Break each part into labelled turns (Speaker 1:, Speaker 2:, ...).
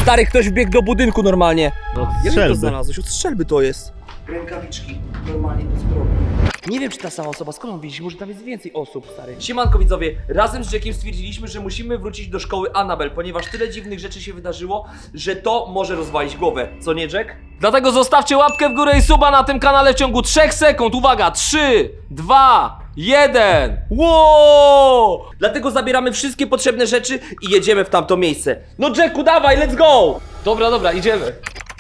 Speaker 1: Stary, ktoś wbiegł do budynku normalnie.
Speaker 2: No,
Speaker 1: Jak ty to
Speaker 2: strzelby.
Speaker 1: znalazłeś? Od strzelby to jest. Rękawiczki, normalnie to zrobił. Nie wiem, czy ta sama osoba, skąd on widzi, może tam jest więcej osób, stary. Siemanko widzowie, razem z Jackiem stwierdziliśmy, że musimy wrócić do szkoły Annabel, ponieważ tyle dziwnych rzeczy się wydarzyło, że to może rozwalić głowę. Co nie, Jack? Dlatego zostawcie łapkę w górę i suba na tym kanale w ciągu 3 sekund. Uwaga, 3, 2, 1. Wow! Dlatego zabieramy wszystkie potrzebne rzeczy i jedziemy w tamto miejsce. No Jacku, dawaj, let's go! Dobra, idziemy.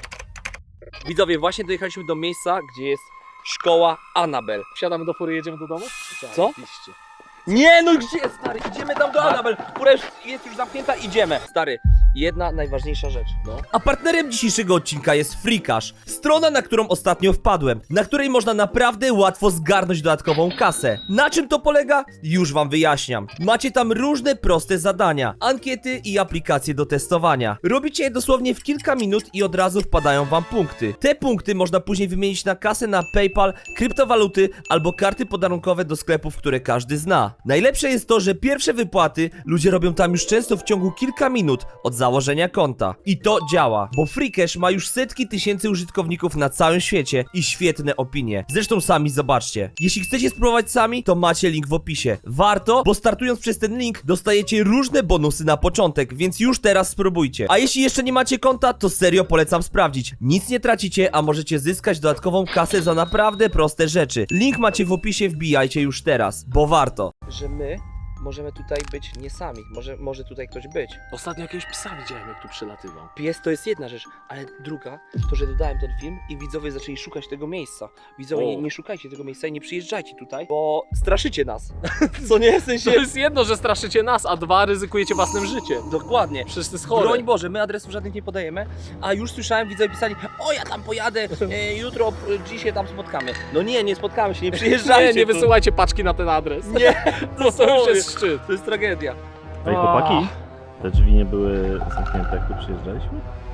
Speaker 1: Widzowie, właśnie dojechaliśmy do miejsca, gdzie jest szkoła Annabel.
Speaker 3: Wsiadamy do fury, jedziemy do domu?
Speaker 1: Co?
Speaker 3: Oczywiście.
Speaker 1: Nie, no gdzie, stary? Idziemy tam do Annabel. Fura jest już zamknięta, idziemy. Stary, jedna najważniejsza rzecz.
Speaker 3: No.
Speaker 1: A partnerem dzisiejszego odcinka jest Freekash. Strona, na którą ostatnio wpadłem. Na której można naprawdę łatwo zgarnąć dodatkową kasę. Na czym to polega? Już wam wyjaśniam. Macie tam różne proste zadania, ankiety i aplikacje do testowania. Robicie je dosłownie w kilka minut i od razu wpadają wam punkty. Te punkty można później wymienić na kasę na PayPal, kryptowaluty albo karty podarunkowe do sklepów, które każdy zna. Najlepsze jest to, że pierwsze wypłaty ludzie robią tam już często w ciągu kilka minut od założenia konta. I to działa, bo Freekash ma już setki tysięcy użytkowników na całym świecie i świetne opinie. Zresztą sami zobaczcie. Jeśli chcecie spróbować sami, to macie link w opisie. Warto, bo startując przez ten link dostajecie różne bonusy na początek, więc już teraz spróbujcie. A jeśli jeszcze nie macie konta, to serio polecam sprawdzić. Nic nie tracicie, a możecie zyskać dodatkową kasę za naprawdę proste rzeczy. Link macie w opisie, wbijajcie już teraz, bo warto. Że my możemy tutaj być nie sami, może tutaj ktoś być.
Speaker 3: Ostatnio jakiegoś psa widziałem, jak tu przelatywał.
Speaker 1: Pies to jest jedna rzecz, ale druga, to że dodałem ten film i widzowie zaczęli szukać tego miejsca. Widzowie, nie szukajcie tego miejsca i nie przyjeżdżajcie tutaj, bo straszycie nas. Co nie? W sensie...
Speaker 3: To jest jedno, że straszycie nas, a dwa, ryzykujecie własnym życiem.
Speaker 1: Dokładnie.
Speaker 3: Przecież to jest chore.
Speaker 1: Broń Boże, my adresów żadnych nie podajemy, a już słyszałem, widzowie pisali: o, ja tam pojadę, jutro, dziś się tam spotkamy. No nie spotkamy się, nie przyjeżdżajcie.
Speaker 3: Nie
Speaker 1: tu.
Speaker 3: wysyłajcie paczki na ten adres.
Speaker 1: Nie,
Speaker 3: To już jest szczyt.
Speaker 1: To jest tragedia.
Speaker 2: Ej, chłopaki, te drzwi nie były zamknięte, jak tu przyjeżdżaliśmy?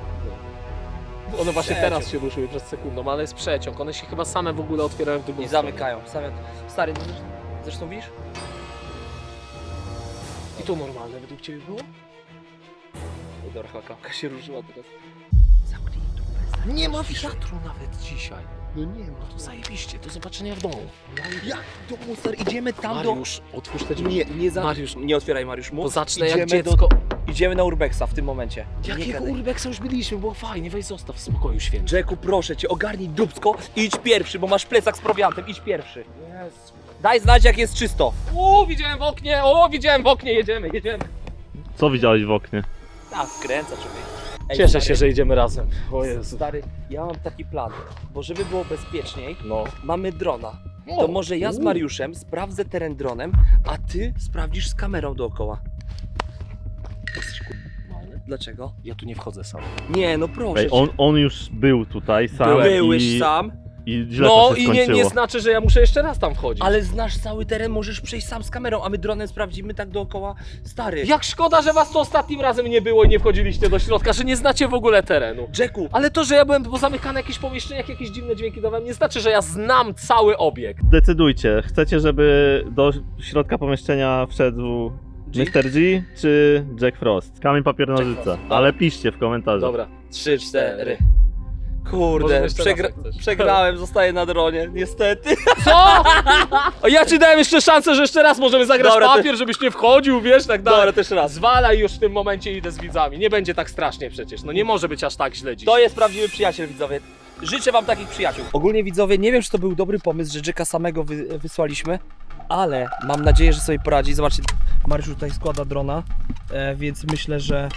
Speaker 3: One właśnie
Speaker 1: Przeciąg.
Speaker 3: teraz się ruszyły przed sekundą, ale jest przeciąg. One się chyba same w ogóle otwierają w drugą
Speaker 1: I
Speaker 3: stronę.
Speaker 1: zamykają. Stary, no zresztą widzisz?
Speaker 3: I to normalne według Ciebie było?
Speaker 1: Ej, dobra, chyba klamka się ruszyła teraz. Zamknij tu.
Speaker 3: Nie ma wiatru nawet dzisiaj.
Speaker 1: No nie ma.
Speaker 3: To zajebiście, do zobaczenia w domu.
Speaker 1: Jak domu, stary? Idziemy tam
Speaker 3: Mariusz, otwórz te
Speaker 1: do...
Speaker 3: drzwi.
Speaker 1: Mariusz, nie otwieraj, Mariusz, mów.
Speaker 3: Bo zacznę jak
Speaker 1: Idziemy
Speaker 3: dziecko.
Speaker 1: Idziemy na Urbexa w tym momencie. Nie
Speaker 3: Jakiego
Speaker 1: gadaj.
Speaker 3: Urbexa już byliśmy, było fajnie, weź zostaw w spokoju święty.
Speaker 1: Jacku, proszę cię, ogarnij dupsko i idź pierwszy, bo masz plecak z prowiantem, idź pierwszy. Daj znać, jak jest czysto.
Speaker 3: Widziałem w oknie, jedziemy.
Speaker 2: Co widziałeś w oknie?
Speaker 1: Tak, wkręca człowiek. Ej,
Speaker 3: Cieszę
Speaker 1: stary,
Speaker 3: się, że idziemy razem. O Jezu.
Speaker 1: Stary, ja mam taki plan, bo żeby było bezpieczniej,
Speaker 3: No.
Speaker 1: mamy drona. To może ja z Mariuszem sprawdzę teren dronem, a ty sprawdzisz z kamerą dookoła. Jesteś Dlaczego?
Speaker 3: Ja tu nie wchodzę sam.
Speaker 1: Nie, no proszę
Speaker 2: Ej,
Speaker 1: cię.
Speaker 2: on już był tutaj sam
Speaker 1: Byłeś sam,
Speaker 2: i źle
Speaker 3: No
Speaker 2: to się
Speaker 3: i
Speaker 2: skończyło.
Speaker 3: nie znaczy, że ja muszę jeszcze raz tam wchodzić.
Speaker 1: ale znasz cały teren, możesz przejść sam z kamerą, a my dronem sprawdzimy tak dookoła. Stary,
Speaker 3: Jak szkoda, że was tu ostatnim razem nie było i nie wchodziliście do środka, że nie znacie w ogóle terenu.
Speaker 1: Jacku,
Speaker 3: Ale to, że ja byłem pozamykany w jakichś pomieszczeniach, jakieś dziwne dźwięki dawałem, nie znaczy, że ja znam cały obiekt.
Speaker 2: Decydujcie, chcecie, żeby do środka pomieszczenia wszedł
Speaker 1: G?
Speaker 2: Mr. G czy Jack Frost? Kamień, papier, nożyce.
Speaker 3: Frost.
Speaker 2: Ale piszcie w komentarzu.
Speaker 3: Dobra.
Speaker 1: 3, 4.
Speaker 3: Możemy
Speaker 1: Kurde,
Speaker 3: jeszcze raz, jak chcesz.
Speaker 1: przegrałem, zostaję na dronie, niestety.
Speaker 3: Co? A ja ci dałem jeszcze szansę, że jeszcze raz możemy zagrać
Speaker 1: Dobra,
Speaker 3: papier, żebyś nie wchodził, wiesz, tak dalej.
Speaker 1: Dobra, też raz.
Speaker 3: Zwalaj już w tym momencie, idę z widzami. Nie będzie tak strasznie przecież, no nie może być aż tak źle dziś.
Speaker 1: To jest prawdziwy przyjaciel, widzowie. Życzę wam takich przyjaciół. Ogólnie, widzowie, nie wiem, czy to był dobry pomysł, że Jacka samego wysłaliśmy, ale mam nadzieję, że sobie poradzi. Zobaczcie, Mariusz tutaj składa drona, więc myślę, że...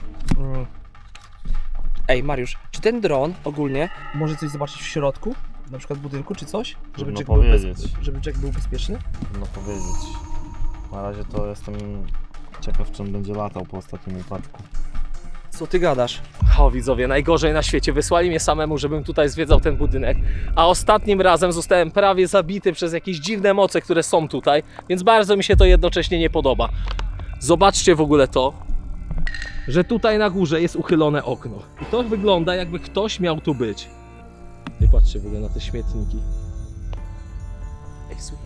Speaker 1: Ej, Mariusz, czy ten dron ogólnie może coś zobaczyć w środku? Na przykład budynku, czy coś?
Speaker 2: Trudno
Speaker 1: Jack
Speaker 2: powiedzieć.
Speaker 1: żeby Jack był bezpieczny?
Speaker 2: No powiedzieć. Na razie to jestem ciekaw, czym będzie latał po ostatnim upadku.
Speaker 1: Co ty gadasz?
Speaker 3: O widzowie, najgorzej na świecie. Wysłali mnie samemu, żebym tutaj zwiedzał ten budynek, a ostatnim razem zostałem prawie zabity przez jakieś dziwne moce, które są tutaj, więc bardzo mi się to jednocześnie nie podoba. Zobaczcie w ogóle to, że tutaj na górze jest uchylone okno. I to wygląda, jakby ktoś miał tu być. I patrzcie w ogóle na te śmietniki.
Speaker 1: Ej, słuchaj.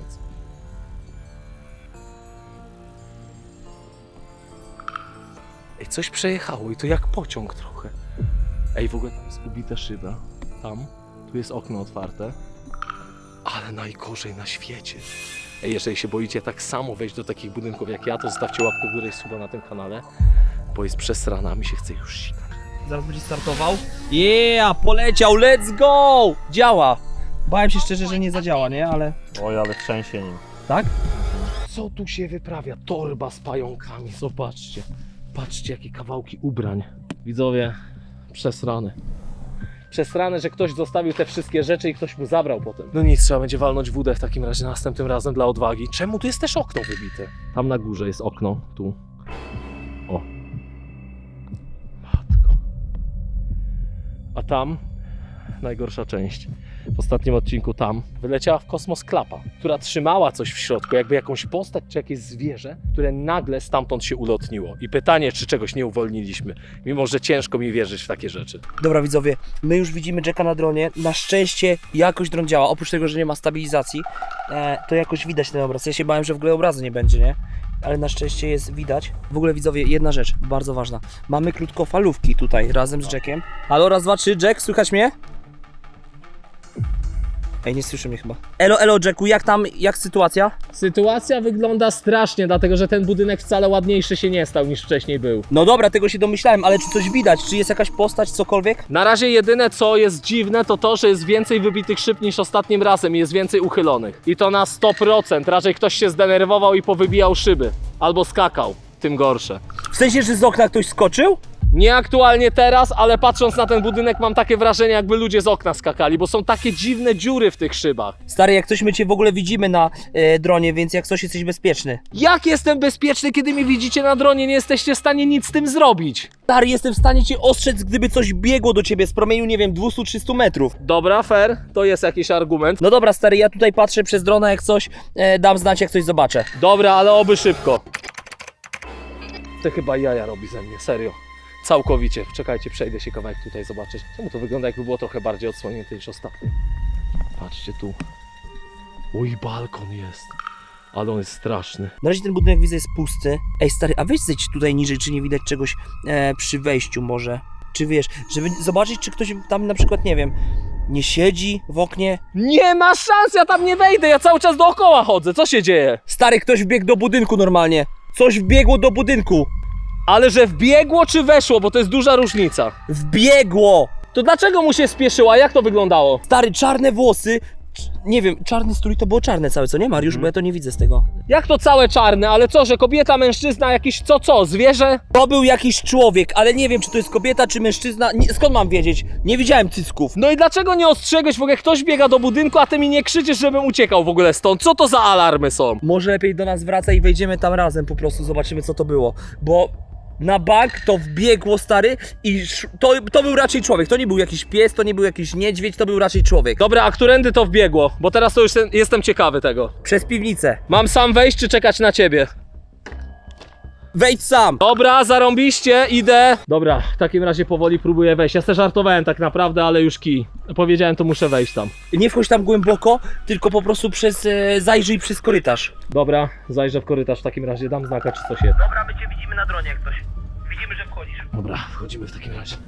Speaker 3: Ej, coś przejechało i to jak pociąg trochę. Ej, w ogóle tam jest ubita szyba. Tam, tu jest okno otwarte. Ale najgorzej na świecie. Ej, jeżeli się boicie tak samo wejść do takich budynków jak ja, to zostawcie łapkę w górę i suba na tym kanale, bo jest przesrana, mi się chce już sikać.
Speaker 1: Zaraz będzie startował. Yeah, poleciał, let's go! Działa. Bałem się szczerze, że nie zadziała, nie? Ale...
Speaker 2: Oj, ale trzęsie nim.
Speaker 1: Tak?
Speaker 3: Co tu się wyprawia? Torba z pająkami, zobaczcie. Patrzcie, jakie kawałki ubrań. Widzowie, przesrane. Przesrane, że ktoś zostawił te wszystkie rzeczy i ktoś mu zabrał potem. No nic, trzeba będzie walnąć wódę w takim razie następnym razem dla odwagi. Czemu tu jest też okno wybite? Tam na górze jest okno, tu. O. Matko. A tam najgorsza część. W ostatnim odcinku tam wyleciała w kosmos klapa, która trzymała coś w środku, jakby jakąś postać czy jakieś zwierzę, które nagle stamtąd się ulotniło. I pytanie, czy czegoś nie uwolniliśmy, mimo że ciężko mi wierzyć w takie rzeczy.
Speaker 1: Dobra widzowie, my już widzimy Jacka na dronie. Na szczęście jakoś dron działa. Oprócz tego, że nie ma stabilizacji, to jakoś widać ten obraz. Ja się bałem, że w ogóle obrazu nie będzie, nie? Ale na szczęście jest widać. W ogóle widzowie, jedna rzecz, bardzo ważna. Mamy krótkofalówki tutaj razem z Jackiem. Halo, raz, dwa, trzy, Jack, słychać mnie? Ej, nie słyszy mnie chyba. Elo, Jacku, jak tam, jak sytuacja?
Speaker 3: Sytuacja wygląda strasznie, dlatego że ten budynek wcale ładniejszy się nie stał niż wcześniej był.
Speaker 1: No dobra, tego się domyślałem, ale czy coś widać? Czy jest jakaś postać, cokolwiek?
Speaker 3: Na razie jedyne co jest dziwne to, że jest więcej wybitych szyb niż ostatnim razem i jest więcej uchylonych. I to na 100%, raczej ktoś się zdenerwował i powybijał szyby. Albo skakał, tym gorsze.
Speaker 1: W sensie, że z okna ktoś skoczył?
Speaker 3: Nie aktualnie teraz, ale patrząc na ten budynek mam takie wrażenie, jakby ludzie z okna skakali, bo są takie dziwne dziury w tych szybach.
Speaker 1: Stary, jak coś my cię w ogóle widzimy na dronie, więc jak coś jesteś bezpieczny.
Speaker 3: Jak jestem bezpieczny, kiedy mnie widzicie na dronie? Nie jesteście w stanie nic z tym zrobić.
Speaker 1: Stary, jestem w stanie cię ostrzec, gdyby coś biegło do ciebie z promieniu, nie wiem, 200-300 metrów.
Speaker 3: Dobra, fair, to jest jakiś argument.
Speaker 1: No dobra, stary, ja tutaj patrzę przez drona, jak coś, dam znać, jak coś zobaczę.
Speaker 3: Dobra, ale oby szybko. To chyba jaja robi ze mnie, serio. Całkowicie. Czekajcie, przejdę się kawałek tutaj zobaczyć. Czemu to wygląda, jakby było trochę bardziej odsłonięte niż ostatnio? Patrzcie tu. Oj, balkon jest. Ale on jest straszny.
Speaker 1: Na razie ten budynek widzę jest pusty. Ej, stary, a weź zejdź tutaj niżej, czy nie widać czegoś przy wejściu może. Czy wiesz, żeby zobaczyć, czy ktoś tam na przykład, nie wiem, nie siedzi w oknie.
Speaker 3: Nie ma szans, ja tam nie wejdę, ja cały czas dookoła chodzę. Co się dzieje?
Speaker 1: Stary, ktoś wbiegł do budynku normalnie. Coś wbiegło do budynku.
Speaker 3: Ale że wbiegło czy weszło, bo to jest duża różnica.
Speaker 1: Wbiegło!
Speaker 3: To dlaczego mu się spieszyła? Jak to wyglądało?
Speaker 1: Stary, czarne włosy. Nie wiem, czarny strój to było czarne całe, co nie, Mariusz? Bo ja to nie widzę z tego.
Speaker 3: Jak to całe czarne? Ale co, że kobieta, mężczyzna, jakiś co, zwierzę?
Speaker 1: To był jakiś człowiek, ale nie wiem, czy to jest kobieta, czy mężczyzna. Nie, skąd mam wiedzieć? Nie widziałem cycków.
Speaker 3: No i dlaczego nie ostrzegłeś? W ogóle ktoś biega do budynku, a ty mi nie krzyczysz, żebym uciekał w ogóle stąd. Co to za alarmy są?
Speaker 1: Może lepiej do nas wraca i wejdziemy tam razem, po prostu zobaczymy, co to było. Bo na bank to wbiegło, stary, i to był raczej człowiek. To nie był jakiś pies, to nie był jakiś niedźwiedź, to był raczej człowiek.
Speaker 3: Dobra, a którędy to wbiegło? Bo teraz to już jestem ciekawy tego.
Speaker 1: Przez piwnicę.
Speaker 3: Mam sam wejść czy czekać na ciebie?
Speaker 1: Wejdź sam.
Speaker 3: Dobra, zarąbiście, idę. Dobra, w takim razie powoli próbuję wejść. Ja sobie żartowałem tak naprawdę, ale już kij. Powiedziałem, to muszę wejść tam.
Speaker 1: Nie wchodź tam głęboko, tylko po prostu zajrzyj przez korytarz.
Speaker 3: Dobra, zajrzę w korytarz w takim razie, dam znaka czy coś jest.
Speaker 1: Dobra, my cię widzimy na dronie jak coś. Widzimy, że wchodzisz.
Speaker 3: Dobra, wchodzimy w takim razie.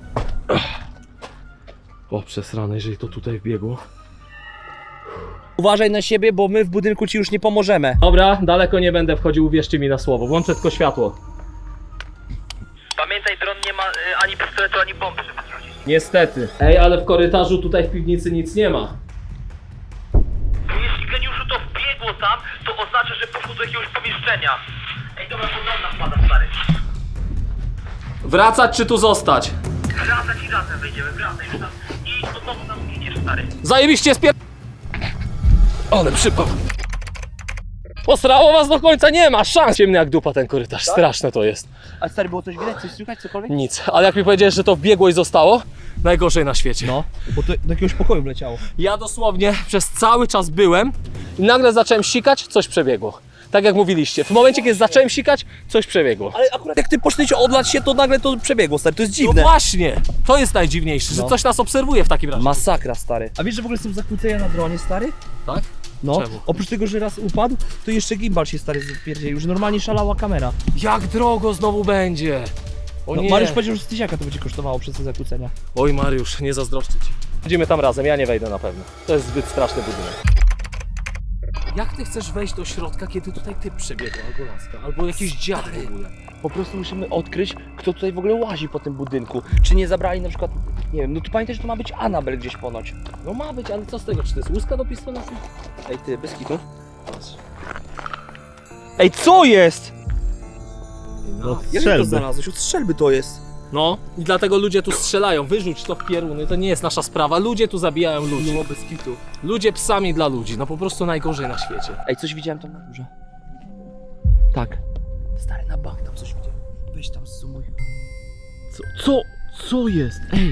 Speaker 3: O, przesrane, jeżeli to tutaj wbiegło.
Speaker 1: Uważaj na siebie, bo my w budynku ci już nie pomożemy.
Speaker 3: Dobra, daleko nie będę wchodził, uwierzcie mi na słowo. Włączę tylko światło.
Speaker 1: Pamiętaj, dron nie ma ani pistoletu, ani bomby, żeby zrzucić.
Speaker 3: Niestety. Ej, ale w korytarzu tutaj w piwnicy nic nie ma.
Speaker 1: Jeśli geniuszu to wbiegło tam, to oznacza, że poszło do jakiegoś pomieszczenia. Ej, dobra, bo dron nam pada, stary.
Speaker 3: Wracać czy tu zostać?
Speaker 1: Wracać i razem wejdziemy, wracaj już tam. I do domu nam idziesz, stary.
Speaker 3: Zajebiście Ale przypał. Posrało was do końca, nie ma szans. Ciemny jak dupa ten korytarz, straszne to jest.
Speaker 1: A stary, było coś widać, coś słychać, cokolwiek?
Speaker 3: Nic, ale jak mi powiedziałeś, że to wbiegło i zostało, najgorzej na świecie.
Speaker 1: No, bo to do jakiegoś pokoju wleciało.
Speaker 3: Ja dosłownie przez cały czas byłem i nagle zacząłem sikać, coś przebiegło. Tak jak mówiliście, w momencie kiedy zacząłem sikać, coś przebiegło.
Speaker 1: Ale akurat jak ty poszliś odlać się, to nagle to przebiegło, stary, to jest
Speaker 3: No
Speaker 1: dziwne.
Speaker 3: właśnie, to jest najdziwniejsze, że
Speaker 1: No.
Speaker 3: coś nas obserwuje w takim razie.
Speaker 1: Masakra, stary. A wiesz, że w ogóle są zakłócenia na dronie, stary?
Speaker 3: Tak?
Speaker 1: No,
Speaker 3: Czemu?
Speaker 1: oprócz tego, że raz upadł, to jeszcze gimbal się, stary, zapierdzielił, że normalnie szalała kamera.
Speaker 3: Jak drogo znowu będzie? O
Speaker 1: No,
Speaker 3: nie.
Speaker 1: Mariusz powiedział, że z 1000 to będzie kosztowało przez te zakłócenia.
Speaker 3: Oj Mariusz, nie zazdroszczę ci. Idziemy tam razem, ja nie wejdę na pewno. To jest zbyt straszny budynek. Jak ty chcesz wejść do środka, kiedy tutaj typ przebiegł, albo laska, albo jakiś dziad w ogóle?
Speaker 1: Po prostu musimy odkryć, kto tutaj w ogóle łazi po tym budynku. Czy nie zabrali na przykład, nie wiem, no tu pamiętaj, że to ma być Anabel gdzieś ponoć.
Speaker 3: No ma być, ale co z tego? Czy to jest łuska do pistoletu?
Speaker 1: Ej ty, bez kitu. Ej, co jest?
Speaker 2: No,
Speaker 1: Jak to
Speaker 2: strzelby.
Speaker 1: znalazłeś? Od strzelby to jest.
Speaker 3: No i dlatego ludzie tu strzelają, wyrzuć to w pieruny, to nie jest nasza sprawa, ludzie tu zabijają ludzi.
Speaker 1: No, bez kitu.
Speaker 3: Ludzie psami dla ludzi, no po prostu najgorzej na świecie.
Speaker 1: Ej, coś widziałem tam na górze. Tak. Stary, na bank tam coś widziałem. Weź tam zoomuj.
Speaker 2: Co jest? Ej!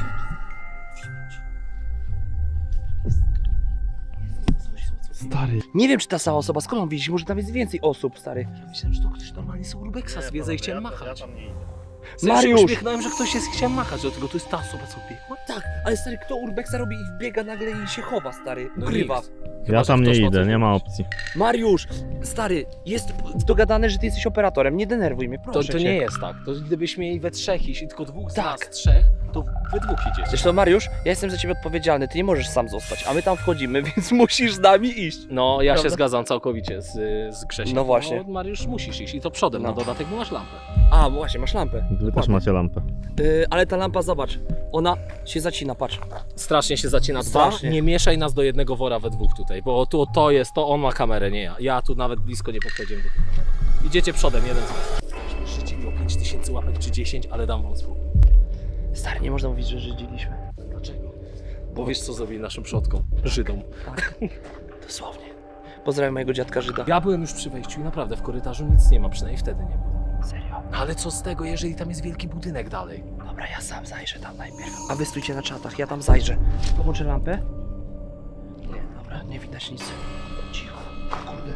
Speaker 2: Stary.
Speaker 1: Nie wiem, czy ta sama osoba, skąd on widzi? Może tam jest więcej osób, stary.
Speaker 3: Ja myślałem, że to ktoś normalnie z Urbexa zwiedza i chciałem machać.
Speaker 1: Mariusz!
Speaker 3: Ja się uśmiechnąłem, że ktoś jest, chciałem machać, dlatego to jest ta osoba, co biegła.
Speaker 1: Tak, ale stary, kto Urbexa robi i wbiega nagle i się chowa, stary.
Speaker 3: No
Speaker 1: Ukrywa.
Speaker 3: nikt.
Speaker 2: Ja
Speaker 3: że
Speaker 2: tam nie
Speaker 3: ktoś ma
Speaker 2: idę,
Speaker 3: coś
Speaker 2: nie ma
Speaker 3: robić.
Speaker 2: opcji.
Speaker 1: Mariusz, stary, jest dogadane, że ty jesteś operatorem, nie denerwuj mnie,
Speaker 3: To,
Speaker 1: proszę
Speaker 3: to
Speaker 1: cię.
Speaker 3: nie jest tak, to gdybyśmy mieli we trzech iść i tylko dwóch z
Speaker 1: Tak.
Speaker 3: nas, trzech, to wy dwóch idziecie.
Speaker 1: Zresztą Mariusz, ja jestem za ciebie odpowiedzialny, ty nie możesz sam zostać, a my tam wchodzimy, więc musisz z nami iść.
Speaker 3: No, ja się
Speaker 1: Prawda?
Speaker 3: zgadzam całkowicie z Grzesiem.
Speaker 1: No właśnie.
Speaker 3: No, Mariusz, musisz iść i to przodem,
Speaker 1: No.
Speaker 3: na dodatek, bo masz lampę.
Speaker 1: A, bo właśnie, masz lampę.
Speaker 2: Wy też
Speaker 1: Dokładnie.
Speaker 2: macie lampę.
Speaker 1: Ale ta lampa, zobacz, ona się zacina, patrz.
Speaker 3: Strasznie się zacina.
Speaker 1: Strasznie.
Speaker 3: Nie mieszaj nas do jednego wora we dwóch tutaj, bo tu to jest, to on ma kamerę, nie ja. Ja tu nawet blisko nie podchodziłem do tej kamery. Idziecie przodem, jeden z was. Życie miło 5000 łapek czy 10, ale dam wam spokój.
Speaker 1: Stary, nie można mówić, że żydziliśmy.
Speaker 3: Dlaczego? Bo wiesz co zrobili naszym przodkom? Żydom.
Speaker 1: Tak, dosłownie. Pozdrawiam mojego dziadka Żyda.
Speaker 3: Ja byłem już przy wejściu i naprawdę w korytarzu nic nie ma, przynajmniej wtedy nie było.
Speaker 1: Serio?
Speaker 3: No ale co z tego, jeżeli tam jest wielki budynek dalej?
Speaker 1: Dobra, ja sam zajrzę tam najpierw. A wy stójcie na czatach, ja tam zajrzę. Połączę lampę? Nie, dobra, nie widać nic. Cicho, kurde.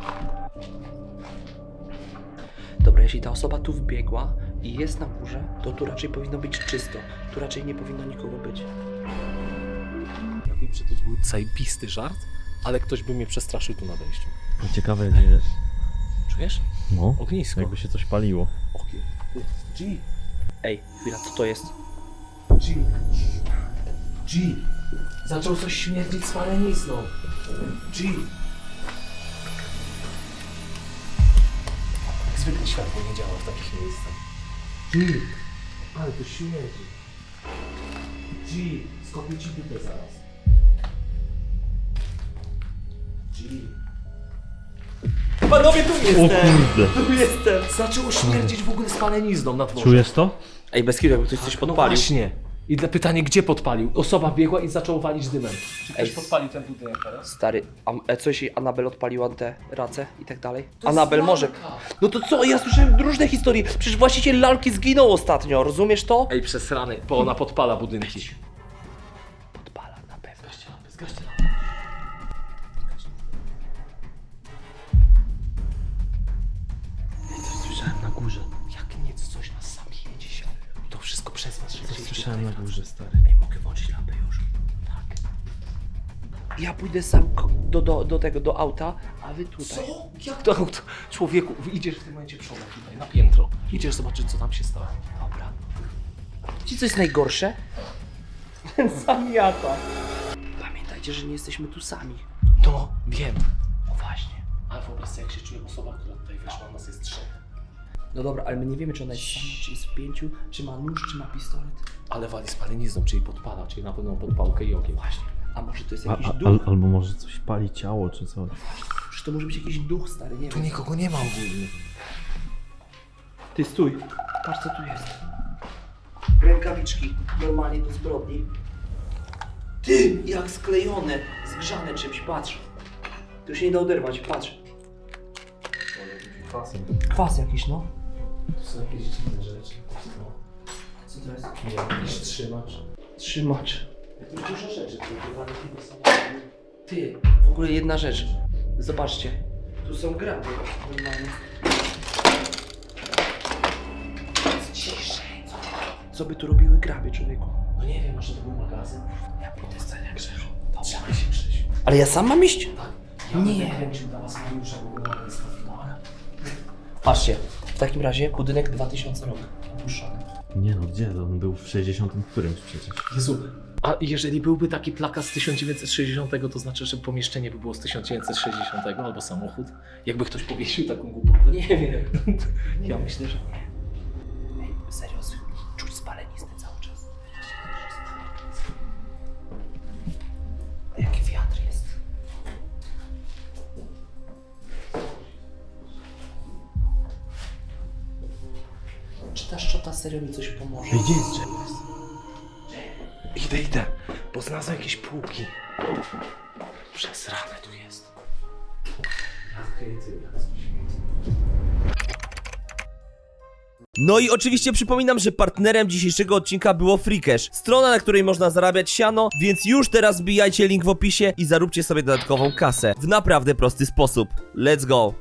Speaker 1: Dobra, jeśli ta osoba tu wbiegła i jest na górze, to tu raczej powinno być czysto. Tu raczej nie powinno nikogo być.
Speaker 3: Ja wiem, że to był zajebisty żart, ale ktoś by mnie przestraszył tu na wejściu.
Speaker 2: Ciekawe gdzie jest.
Speaker 3: Czujesz?
Speaker 2: No.
Speaker 3: Ognisko.
Speaker 2: Jakby się coś paliło.
Speaker 3: Ogień. G.
Speaker 1: Ej, chwila, co to jest?
Speaker 3: G. G. Zaczął coś śmierdzić spalenizną. G. Jak zwykle światło nie działa w takich miejscach. G. Ale to śmierdzi. G. Skopię ci dupę zaraz. G.
Speaker 1: Panowie, tu
Speaker 2: O kurde.
Speaker 1: Tu jestem!
Speaker 3: Zaczęło śmierdzić w ogóle spalenizną na dworze.
Speaker 2: Czujesz to?
Speaker 1: Ej, bez kitu, jakby ktoś coś
Speaker 3: No
Speaker 1: podpalił.
Speaker 3: właśnie. I dla pytanie, gdzie podpalił? Osoba biegła i zaczął walić dymem. Czy ktoś
Speaker 1: Ej.
Speaker 3: podpalił ten budynek teraz?
Speaker 1: Stary, a co jeśli Anabel odpaliła te race i tak dalej? Anabel może. No to co? Ja słyszałem różne historie. Przecież właściciel lalki zginął ostatnio, rozumiesz to?
Speaker 3: Ej, przesrany, bo ona podpala budynki.
Speaker 1: Podpala na pewno.
Speaker 3: Zgaście lampy, zgaście lampy.
Speaker 1: Coś słyszałem na górze.
Speaker 3: Jak nic, coś nas zabije dzisiaj. To wszystko przez was, że chcieliście tutaj
Speaker 2: górze, stary.
Speaker 1: Ej, mogę włączyć lampę już. Tak. Ja pójdę sam do auta, a wy tutaj.
Speaker 3: Co? Jak to auto? Człowieku, idziesz w tym momencie przodem tutaj, na piętro. Idziesz zobaczyć, co tam się stało.
Speaker 1: Dobra. Ci co jest najgorsze? Zamiata. Pamiętajcie, że nie jesteśmy tu sami.
Speaker 3: No, wiem.
Speaker 1: No właśnie.
Speaker 3: Ale wyobraź sobie, jak się czuje osoba, która tutaj weszła, nas jest trzech.
Speaker 1: No dobra, ale my nie wiemy, czy ona jest sama, czy jest w 5, czy ma nóż, czy ma pistolet.
Speaker 3: Ale wali spalenizną, czyli podpala, czyli na pewno podpałkę i ogień.
Speaker 1: Właśnie. A może to jest jakiś duch?
Speaker 2: Albo może coś pali ciało, czy coś.
Speaker 1: Czy to może być jakiś duch, stary, nie
Speaker 3: Tu
Speaker 1: wiem.
Speaker 3: nikogo nie ma ogólnie.
Speaker 1: Ty stój. Patrz, co tu jest. Rękawiczki, normalnie do zbrodni. Ty, jak sklejone, zgrzane czymś, patrz. Tu się nie da oderwać, patrz. Kwas jakiś, no.
Speaker 3: Tu są jakieś dziwne rzeczy. No.
Speaker 1: Co to jest?
Speaker 3: Nie wiem, jakiś trzymacz.
Speaker 1: Trzymacz.
Speaker 3: Tu dużo rzeczy, które chyba są...
Speaker 1: Ty, w ogóle jedna rzecz. Zobaczcie. Tu są graby, normalnie. Ciszej. Co by tu robiły graby, człowieku?
Speaker 3: No nie wiem, może to był magazyn?
Speaker 1: Ja pójdę z jak Grzesiu.
Speaker 3: Trzymaj się, Krzysiu.
Speaker 1: Ale ja sam mam iść?
Speaker 3: Tak. Ja
Speaker 1: Nie.
Speaker 3: będę kręcił dla was Mariusza, bo go mamy z.
Speaker 1: Patrzcie, w takim razie budynek 2000 rok.
Speaker 3: opuszczony.
Speaker 2: Nie no, gdzie? On był w 60 którymś przecież.
Speaker 3: Jezu, a jeżeli byłby taki plakat z 1960, to znaczy, że pomieszczenie by było z 1960 albo samochód? Jakby ktoś powiesił taką głupotę? Nie wiem. Ja myślę, że nie. Ej, serio, czuć spaleniznę cały czas. A jaki wiatr jest? Czy ta szczota serio mi coś pomoże?
Speaker 2: Gdzie jest?
Speaker 3: Idę, bo znalazłem jakieś półki. Przesrane tu jest.
Speaker 1: No i oczywiście przypominam, że partnerem dzisiejszego odcinka było Freacash, strona, na której można zarabiać siano, więc już teraz wbijajcie link w opisie i zaróbcie sobie dodatkową kasę w naprawdę prosty sposób. Let's go!